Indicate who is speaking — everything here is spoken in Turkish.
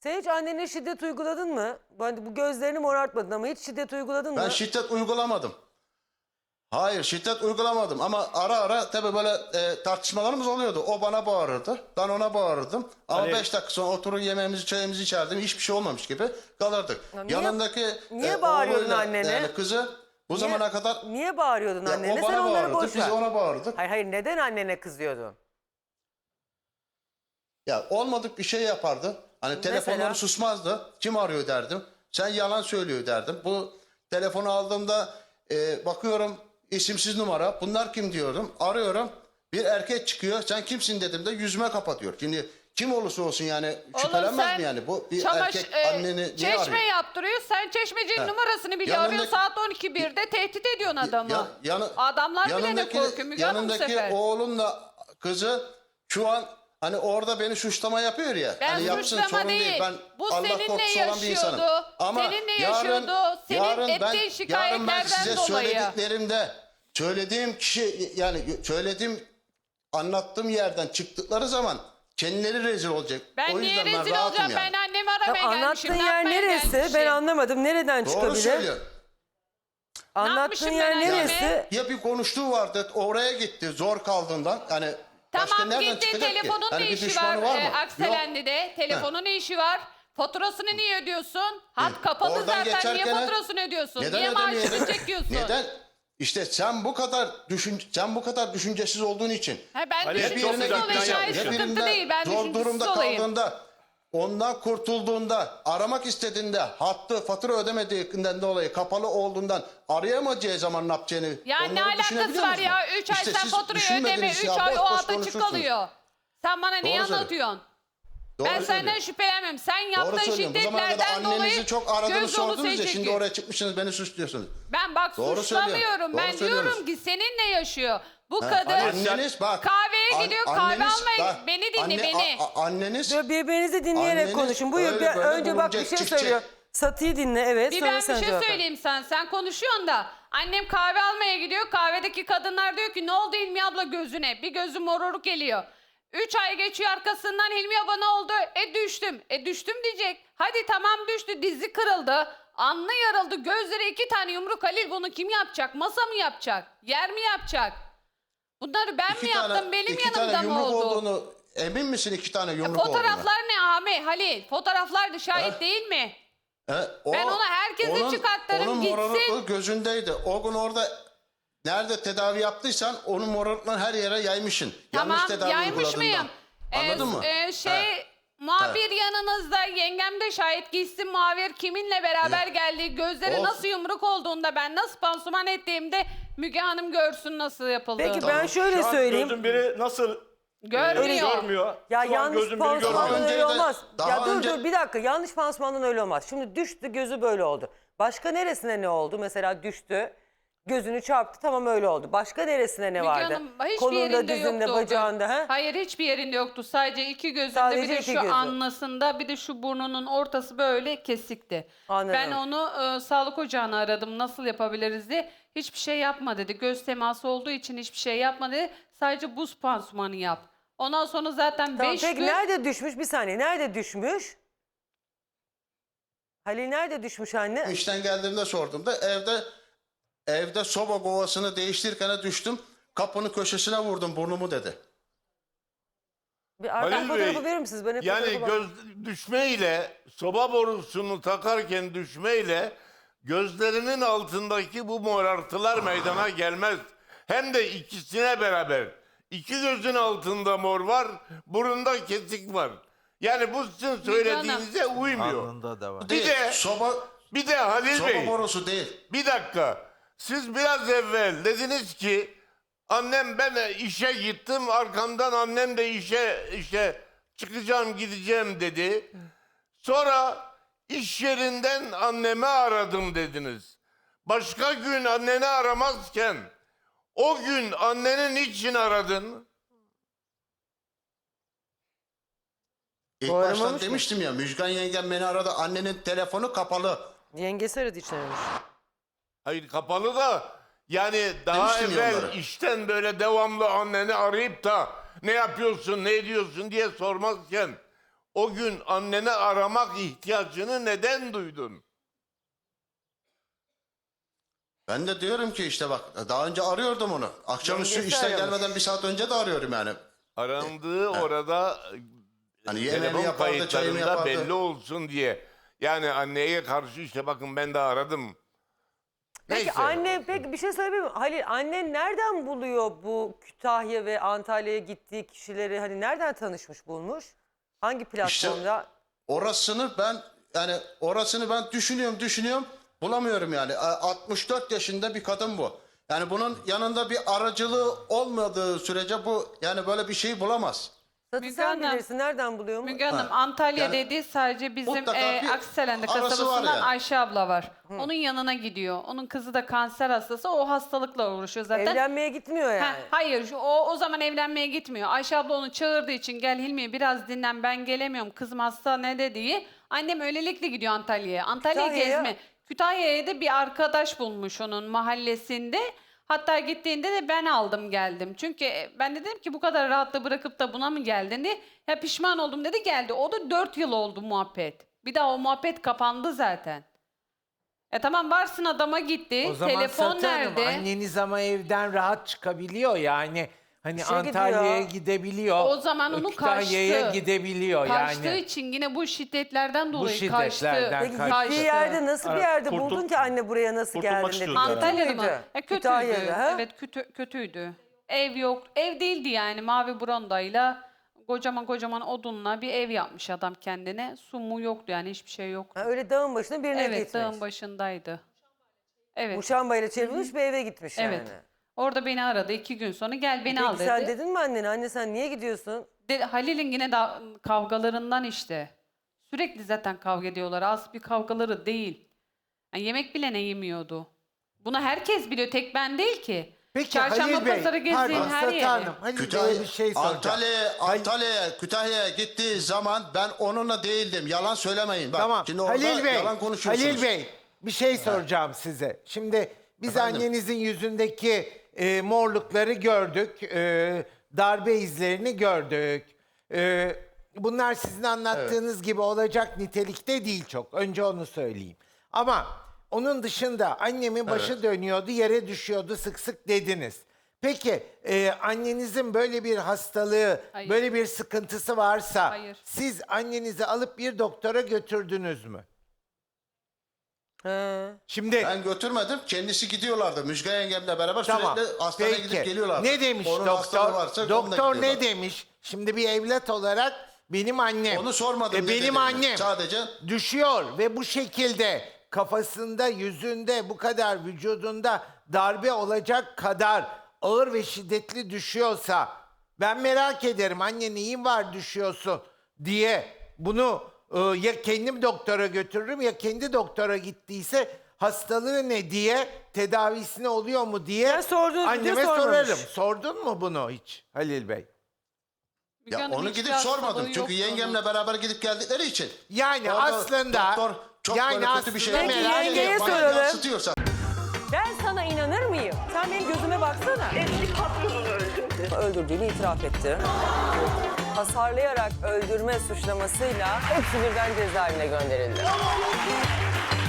Speaker 1: Sen hiç annene şiddet uyguladın mı? Bu gözlerini morartmadın ama hiç şiddet uyguladın mı?
Speaker 2: Ben şiddet uygulamadım. Hayır, şiddet uygulamadım ama ara ara tabii böyle tartışmalarımız oluyordu. O bana bağırırdı, ben ona bağırırdım. Ama
Speaker 3: Ali-
Speaker 2: 5 dakika sonra oturur yemeğimizi, çayımızı içerdim. Hiçbir şey olmamış gibi kalırdık.
Speaker 1: Ya niye-
Speaker 2: Yanındaki
Speaker 1: niye bağırıyordun
Speaker 2: oğluyla,
Speaker 1: annene?
Speaker 2: Yani kızı bu zamana kadar
Speaker 1: Niye bağırıyordun
Speaker 2: ya
Speaker 1: annene?
Speaker 2: o
Speaker 1: Sen
Speaker 2: bana
Speaker 1: onları
Speaker 2: bağırırdı,
Speaker 1: boş
Speaker 2: biz
Speaker 1: ver.
Speaker 2: ona bağırırdık.
Speaker 1: Hayır neden annene kızıyordun?
Speaker 2: Ya olmadık bir şey yapardı. Hani telefonları
Speaker 1: Mesela?
Speaker 2: susmazdı. Kim arıyor derdim. Sen yalan söylüyor derdim. Bu telefonu aldığımda bakıyorum isimsiz numara. Bunlar kim diyordum. Arıyorum. Bir erkek çıkıyor. Sen kimsin dedim de yüzüme kapatıyor. Şimdi kim olursa olsun yani şüphelenmez mi yani? Bu bir erkek anneni niye
Speaker 4: çeşme
Speaker 2: arıyor?
Speaker 4: yaptırıyor. Sen çeşmecinin
Speaker 2: He.
Speaker 4: numarasını bile
Speaker 2: Yanındaki-
Speaker 4: arıyor. Saat 12.1'de tehdit ediyorsun adamı. Adamlar bile ne korkuyor Müge Hanım bu
Speaker 2: yanındaki
Speaker 4: sefer.
Speaker 2: oğlunla kızı şu an hani orada beni suçlama yapıyor ya.
Speaker 4: Ben
Speaker 2: hani yapsın,
Speaker 4: suçlama
Speaker 2: sorun
Speaker 4: değil.
Speaker 2: Ben
Speaker 4: Bu
Speaker 2: Allah
Speaker 4: seninle
Speaker 2: korkusu olan bir insanım.
Speaker 4: yaşıyordu.
Speaker 2: Ama
Speaker 4: Seninle yaşıyordu. Senin ettiğin
Speaker 2: yarın ben
Speaker 4: şikayetlerden
Speaker 2: size
Speaker 4: dolayı.
Speaker 2: söylediklerimde söylediğim kişi yani anlattığım yerden çıktıkları zaman kendileri rezil olacak.
Speaker 4: Ben
Speaker 2: o
Speaker 4: niye
Speaker 2: yüzden ben
Speaker 4: rezil
Speaker 2: rahatım
Speaker 4: olacağım?
Speaker 2: yani.
Speaker 4: Ben annemi
Speaker 1: Ya
Speaker 4: aramaya gelmişim.
Speaker 1: anlattığın
Speaker 4: ne
Speaker 1: yer
Speaker 4: yapmaya
Speaker 1: neresi?
Speaker 4: gelmişim?
Speaker 1: Ben anlamadım. Nereden
Speaker 2: Doğru
Speaker 1: çıkabilir?
Speaker 2: söylüyor.
Speaker 1: Anlattığın
Speaker 4: yapmışım
Speaker 1: yer
Speaker 4: ben anneme?
Speaker 1: neresi?
Speaker 2: Ya bir konuştuğu vardı oraya gitti zor kaldığından. Hani başka
Speaker 4: Tamam
Speaker 2: nereden
Speaker 4: gitti
Speaker 2: çıkacak ki?
Speaker 4: telefonun
Speaker 2: Hani
Speaker 4: ne
Speaker 2: bir
Speaker 4: işi
Speaker 2: düşmanı
Speaker 4: var,
Speaker 2: mı? Yok.
Speaker 4: Akselenli'de? Telefonun ne işi var? Faturasını niye ödüyorsun? Hat kapalı
Speaker 2: Oradan
Speaker 4: zaten niye
Speaker 2: geçerken
Speaker 4: faturasını ödüyorsun?
Speaker 2: neden
Speaker 4: Niye maaşını
Speaker 2: ödemeyelim?
Speaker 4: çekiyorsun?
Speaker 2: Neden? İşte sen bu kadar düşüncesiz olduğun için.
Speaker 4: Ha, ben
Speaker 3: Ali,
Speaker 4: düşüncesiz
Speaker 3: çok güzel
Speaker 4: olayım.
Speaker 3: plan
Speaker 4: Hayır,
Speaker 3: yapmışsın.
Speaker 4: sıkıntı değil. Ben
Speaker 2: zor
Speaker 4: düşüncesiz
Speaker 2: durumda
Speaker 4: olayım.
Speaker 2: kaldığında ondan kurtulduğunda aramak istediğinde hattı fatura ödemediğinden dolayı kapalı olduğundan arayamayacağı zaman ne yapacağını
Speaker 4: Ya ne
Speaker 2: onları
Speaker 4: alakası
Speaker 2: düşünebiliyor
Speaker 4: var
Speaker 2: musun?
Speaker 4: ya? 3 ay
Speaker 2: İşte
Speaker 4: sen
Speaker 2: siz
Speaker 4: faturayı ödeme.
Speaker 2: düşünmediniz
Speaker 4: 3
Speaker 2: ya,
Speaker 4: ay
Speaker 2: boş
Speaker 4: o
Speaker 2: boş
Speaker 4: hatta açık
Speaker 2: konuşursunuz.
Speaker 4: kalıyor. Sen bana neyi
Speaker 2: Doğru söylüyor.
Speaker 4: anlatıyorsun?
Speaker 2: Doğru
Speaker 4: Ben
Speaker 2: söylüyor.
Speaker 4: senden şüphelenmem. Sen
Speaker 2: Doğru
Speaker 4: yaptığın
Speaker 2: söylüyorum. Bu zamana kadar
Speaker 4: şiddetlerden dolayı
Speaker 2: annenizi çok aradınız
Speaker 4: göz dolu
Speaker 2: sordunuz ya
Speaker 4: şey
Speaker 2: şimdi
Speaker 4: çekiyor.
Speaker 2: oraya çıkmışsınız beni suçluyorsunuz.
Speaker 4: Ben bak
Speaker 2: Doğru
Speaker 4: suçlamıyorum.
Speaker 2: söylüyorum.
Speaker 4: Ben
Speaker 2: Doğru
Speaker 4: diyorum
Speaker 2: söylüyoruz.
Speaker 4: ki seninle yaşıyor. Bu
Speaker 2: Ha,
Speaker 4: kadın
Speaker 2: anneniz bak.
Speaker 4: kahveye gidiyor, kahve almaya.
Speaker 2: bak,
Speaker 4: Beni dinle, beni.
Speaker 2: Anneniz
Speaker 1: Dur, birbirinizi dinleyerek
Speaker 2: Anneniz
Speaker 1: konuşun. Buyur.
Speaker 2: öyle böyle
Speaker 1: Önce bak bir
Speaker 2: bulunacak,
Speaker 1: şey
Speaker 2: çıkacak.
Speaker 1: söylüyor. Satıyı dinle, evet.
Speaker 4: Bir
Speaker 1: sonra
Speaker 4: ben bir
Speaker 1: sen
Speaker 4: şey
Speaker 1: cevap ver.
Speaker 4: söyleyeyim sana. Sen konuşuyorsun da annem kahve almaya gidiyor. Kahvedeki kadınlar diyor ki ne oldu Hilmi abla gözüne? Bir gözü mororuk geliyor. 3 ay geçiyor arkasından Hilmi abla ne oldu? Düştüm. Düştüm diyecek. Hadi tamam düştü. Dizi kırıldı. Alnı yarıldı. Gözleri 2 tane yumruk. Halil bunu kim yapacak? Masa mı yapacak? Yer mi yapacak? Bunları ben mi yaptım? Benim
Speaker 2: iki tane
Speaker 4: yanımda mı
Speaker 2: yumruk
Speaker 4: oldu?
Speaker 2: olduğunu emin misin 2 tane yumruk olduğunu?
Speaker 4: Fotoğraflar ne Ahmet? Halil fotoğraflar şahit
Speaker 2: Ha?
Speaker 4: değil mi?
Speaker 2: O,
Speaker 4: Ben onu herkese çıkartlarım,
Speaker 2: onun
Speaker 4: gitsin.
Speaker 2: morarıklığı gözündeydi. O gün orada nerede tedavi yaptıysan onun morarıklığını her yere yaymışsın. Yanlış
Speaker 4: Tamam
Speaker 2: tedavi
Speaker 4: yaymış
Speaker 2: uyguladığından.
Speaker 4: mıyım?
Speaker 2: Anladın mı?
Speaker 4: Muhabir yanınızda, yengem de şahit, gitsin muhabir kiminle beraber geldiği, gözleri
Speaker 2: Olsun.
Speaker 4: nasıl yumruk olduğunda, ben nasıl pansuman ettiğimde Müge Hanım görsün nasıl yapıldığını.
Speaker 1: Peki ben şöyle
Speaker 3: Şu an
Speaker 1: söyleyeyim.
Speaker 3: gözün biri nasıl
Speaker 4: Görmüyor.
Speaker 3: görmüyor.
Speaker 1: Ya
Speaker 3: Şu an
Speaker 1: yanlış
Speaker 3: gözün biri
Speaker 1: pansumandan
Speaker 3: görmüyor.
Speaker 2: Önce
Speaker 1: öyle
Speaker 2: de-
Speaker 1: olmaz.
Speaker 2: daha
Speaker 1: Ya dur
Speaker 2: önce-
Speaker 1: dur bir dakika. Yanlış pansumandan öyle olmaz. Şimdi düştü gözü böyle oldu. Başka neresine ne oldu? Mesela düştü. Gözünü çarptı tamam öyle oldu. Başka neresine ne
Speaker 4: Müge
Speaker 1: vardı?
Speaker 4: Hanım hiçbir
Speaker 1: Kolunda,
Speaker 4: yerinde
Speaker 1: dizinde,
Speaker 4: yoktu o gün.
Speaker 1: bacağında. He?
Speaker 4: Hayır hiçbir yerinde yoktu. Sadece 2 gözünde,
Speaker 1: Sadece
Speaker 4: bir de
Speaker 1: iki
Speaker 4: şu
Speaker 1: gözü.
Speaker 4: alnısında, bir de şu burnunun ortası böyle kesikti.
Speaker 1: Anladım.
Speaker 4: Ben onu sağlık ocağına aradım nasıl yapabiliriz diye. Hiçbir şey yapma dedi. Göz teması olduğu için hiçbir şey yapma dedi. Sadece buz pansumanı yap. Ondan sonra zaten
Speaker 1: Tamam,
Speaker 4: 5
Speaker 1: peki
Speaker 4: gün...
Speaker 1: nerede düşmüş? Bir saniye. Nerede düşmüş? Halil nerede düşmüş anne?
Speaker 2: İşten geldiğimde sordum da evde soba kovasını değiştirirken düştüm. Kapının köşesine vurdum burnumu dedi.
Speaker 1: Bir arka
Speaker 5: Halil
Speaker 1: fotoğrafı
Speaker 5: Bey,
Speaker 1: verir misiniz? Ben hep
Speaker 5: Yani
Speaker 1: fotoğrafa bak-
Speaker 5: düşmeyle, soba borusunu takarken düşmeyle gözlerinin altındaki bu morartılar meydana gelmez. Hem de ikisine beraber. 2 gözün altında mor var, burunda kesik var. Yani bu sizin söylediğinize uymuyor.
Speaker 6: Alnında da var.
Speaker 5: Bir
Speaker 2: Değil,
Speaker 5: de bir de Halil
Speaker 2: soba
Speaker 5: Bey,
Speaker 2: borusu değil.
Speaker 5: bir dakika. Siz biraz evvel dediniz ki annem ben işe gittim arkamdan annem de işe çıkacağım gideceğim dedi. Sonra iş yerinden annemi aradım dediniz. Başka gün anneni aramazken o gün annenin için aradın?
Speaker 2: İlk
Speaker 1: Bu
Speaker 2: baştan
Speaker 1: aramamış mı?
Speaker 2: demiştim ya Müjgan yengem beni aradı annenin telefonu kapalı.
Speaker 1: Yengesi aradı içlermiş.
Speaker 5: Hayır kapalı da yani daha
Speaker 2: Demiştim ya
Speaker 5: evvel
Speaker 2: onlara.
Speaker 5: işten böyle devamlı anneni arayıp da ne yapıyorsun ne ediyorsun diye sormazken o gün anneni aramak ihtiyacını neden duydun?
Speaker 2: Ben de diyorum ki işte bak daha önce arıyordum onu. Akşamüstü
Speaker 1: Yengesi
Speaker 2: işten
Speaker 1: aramış.
Speaker 2: gelmeden bir saat önce de arıyorum yani.
Speaker 5: Arandığı orada
Speaker 2: Hani yemeğini
Speaker 5: telefon
Speaker 2: yapardı, çayını
Speaker 5: kayıtlarında
Speaker 2: yapardı.
Speaker 5: belli olsun diye. Yani anneye karşı işte bakın ben de aradım.
Speaker 1: Peki
Speaker 5: Neyse.
Speaker 1: anne, peki bir şey söyleyeyim mi? Halil, annen nereden buluyor bu Kütahya ve Antalya'ya gittiği kişileri? Hani nereden tanışmış, bulmuş? Hangi platformda?
Speaker 2: Orasını ben düşünüyorum bulamıyorum yani. 64 yaşında bir kadın bu. Yani bunun yanında bir aracılığı olmadığı sürece bu yani böyle bir şey bulamaz.
Speaker 1: Satı
Speaker 4: Müge
Speaker 1: sen
Speaker 4: Hanım,
Speaker 1: bilirsin, nereden buluyor mu?
Speaker 4: Müge Hanım, Antalya
Speaker 2: Yani
Speaker 4: dedi sadece bizim
Speaker 2: mutlaka bir
Speaker 4: Akselen'de
Speaker 2: arası var
Speaker 4: kasabasından
Speaker 2: yani.
Speaker 4: Ayşe abla var. Onun yanına gidiyor. Onun kızı da kanser hastası. O hastalıkla uğraşıyor zaten.
Speaker 1: Evlenmeye gitmiyor yani.
Speaker 4: Ha, hayır o zaman evlenmeye gitmiyor. Ayşe abla onu çağırdığı için gel Hilmi biraz dinlen ben gelemiyorum kızım hasta ne dediği. Annem öylelikle gidiyor Antalya'ya. Antalya
Speaker 1: Kütahya'ya.
Speaker 4: gezme. Kütahya'ya da bir arkadaş bulmuş onun mahallesinde. Hatta gittiğinde de ben aldım geldim. Çünkü ben de dedim ki bu kadar rahatla bırakıp da buna mı geldin diye. Ya pişman oldum dedi geldi. O da 4 yıl oldu muhabbet. Bir daha o muhabbet kapandı zaten. Tamam varsın adama gitti.
Speaker 3: O zaman
Speaker 4: Telefon
Speaker 3: Satı Hanım,
Speaker 4: nerede?
Speaker 3: anneniz ama evden rahat çıkabiliyor yani. Hani
Speaker 1: İşe
Speaker 3: Antalya'ya
Speaker 1: gidiyor.
Speaker 3: gidebiliyor.
Speaker 4: O zaman onu
Speaker 3: Kütahya'ya
Speaker 4: kaçtı.
Speaker 3: gidebiliyor
Speaker 4: Kaçtığı
Speaker 3: yani.
Speaker 4: için yine bu şiddetlerden dolayı
Speaker 3: şiddetlerden
Speaker 4: kaçtı.
Speaker 1: Peki
Speaker 3: kaçtı.
Speaker 1: gittiği yerde nasıl bir yerde
Speaker 6: Kurtul-
Speaker 1: buldun ki anne buraya nasıl
Speaker 6: kurtulmak
Speaker 1: geldin dedi.
Speaker 6: istiyordu herhalde.
Speaker 4: Antalya'da mı?
Speaker 1: Kötüydü.
Speaker 4: Kötüydü.
Speaker 1: Kütahya'da, ha?
Speaker 4: Evet kötüydü. Ev yok. Ev değildi yani mavi brondayla kocaman odunla bir ev yapmış adam kendine. Su mu yoktu yani hiçbir şey yoktu.
Speaker 1: Ha, öyle dağın başına birine
Speaker 4: Evet
Speaker 1: gitmiş.
Speaker 4: dağın başındaydı. Evet.
Speaker 1: Muşambayla çevrilmiş bir eve gitmiş
Speaker 4: Evet.
Speaker 1: yani.
Speaker 4: Orada beni aradı 2 gün sonra gel beni al
Speaker 1: Peki
Speaker 4: dedi.
Speaker 1: sen dedin mi annene? Anne sen niye gidiyorsun?
Speaker 4: Halil'in yine kavgalarından işte. Sürekli zaten kavga ediyorlar. Az bir kavgaları değil. Yani yemek bile ne yemiyordu. Bunu herkes biliyor. Tek ben değil ki.
Speaker 3: Peki
Speaker 4: Çarşamba
Speaker 3: Halil Bey,
Speaker 4: pazarı gezdiğin
Speaker 3: pardon
Speaker 4: her
Speaker 3: Satı
Speaker 4: yere.
Speaker 3: Hanım, Halil Bey'e bir şey soracağım.
Speaker 2: Antalya'ya, Kütahya'ya gittiği zaman ben onunla değildim. Yalan söylemeyin. Bak,
Speaker 3: Tamam
Speaker 2: şimdi orada
Speaker 3: Halil Bey,
Speaker 2: yalan konuşuyorsunuz.
Speaker 3: Halil Bey bir şey soracağım size. Şimdi biz
Speaker 2: Efendim?
Speaker 3: annenizin yüzündeki morlukları gördük. Darbe izlerini gördük. Bunlar sizin anlattığınız gibi olacak nitelikte değil çok. Önce onu söyleyeyim. Ama onun dışında annemin başı dönüyordu, yere düşüyordu sık sık dediniz. Peki annenizin böyle bir hastalığı,
Speaker 4: Hayır.
Speaker 3: böyle bir sıkıntısı varsa
Speaker 4: Hayır.
Speaker 3: siz annenizi alıp bir doktora götürdünüz mü?
Speaker 1: He.
Speaker 3: Şimdi
Speaker 2: Ben götürmedim. Kendisi gidiyorlardı. Müjgan yengemle beraber
Speaker 3: tamam.
Speaker 2: sürekli hastaneye
Speaker 3: Peki.
Speaker 2: gidip geliyorlardı.
Speaker 3: Ne demiş
Speaker 2: Onun hastalığı
Speaker 3: doktor?
Speaker 2: varsa onunla
Speaker 3: Doktor ne
Speaker 2: gidiyorlar.
Speaker 3: demiş? Şimdi bir evlat olarak benim annem.
Speaker 2: Onu sormadım. ne
Speaker 3: Benim
Speaker 2: dediğini.
Speaker 3: annem
Speaker 2: Sadece
Speaker 3: düşüyor ve bu şekilde kafasında, yüzünde, bu kadar vücudunda darbe olacak kadar ağır ve şiddetli düşüyorsa ben merak ederim anne neyin var düşüyorsun diye bunu ya kendim doktora götürürüm ya kendi doktora gittiyse hastalığı ne diye tedavisine oluyor mu diye
Speaker 1: Ya sordunuz mu diye
Speaker 3: anneme
Speaker 1: sormamış.
Speaker 3: sorarım. Sordun mu bunu hiç Halil Bey?
Speaker 4: Müge
Speaker 2: ya
Speaker 4: Hanım,
Speaker 2: onu
Speaker 4: hiçbir
Speaker 2: gidip
Speaker 4: hastalığı
Speaker 2: sormadım. Çünkü
Speaker 4: yoktu
Speaker 2: yengemle
Speaker 4: onun.
Speaker 2: beraber gidip geldikleri için.
Speaker 3: Yani
Speaker 2: Orada
Speaker 3: aslında
Speaker 2: doktor çok
Speaker 3: yani
Speaker 2: böyle kötü bir şey
Speaker 3: aslında
Speaker 1: Peki,
Speaker 3: merak
Speaker 1: yengeye
Speaker 3: ediyorum.
Speaker 2: bana
Speaker 1: soralım.
Speaker 2: yansıtıyorsa.
Speaker 1: Ben sana inanır mıyım? Sen benim gözüme baksana.
Speaker 7: Eski patronunu öldürdü.
Speaker 1: Öldürdüğünü itiraf etti. Hasarlayarak öldürme suçlamasıyla hepsi birden cezaevine gönderildi.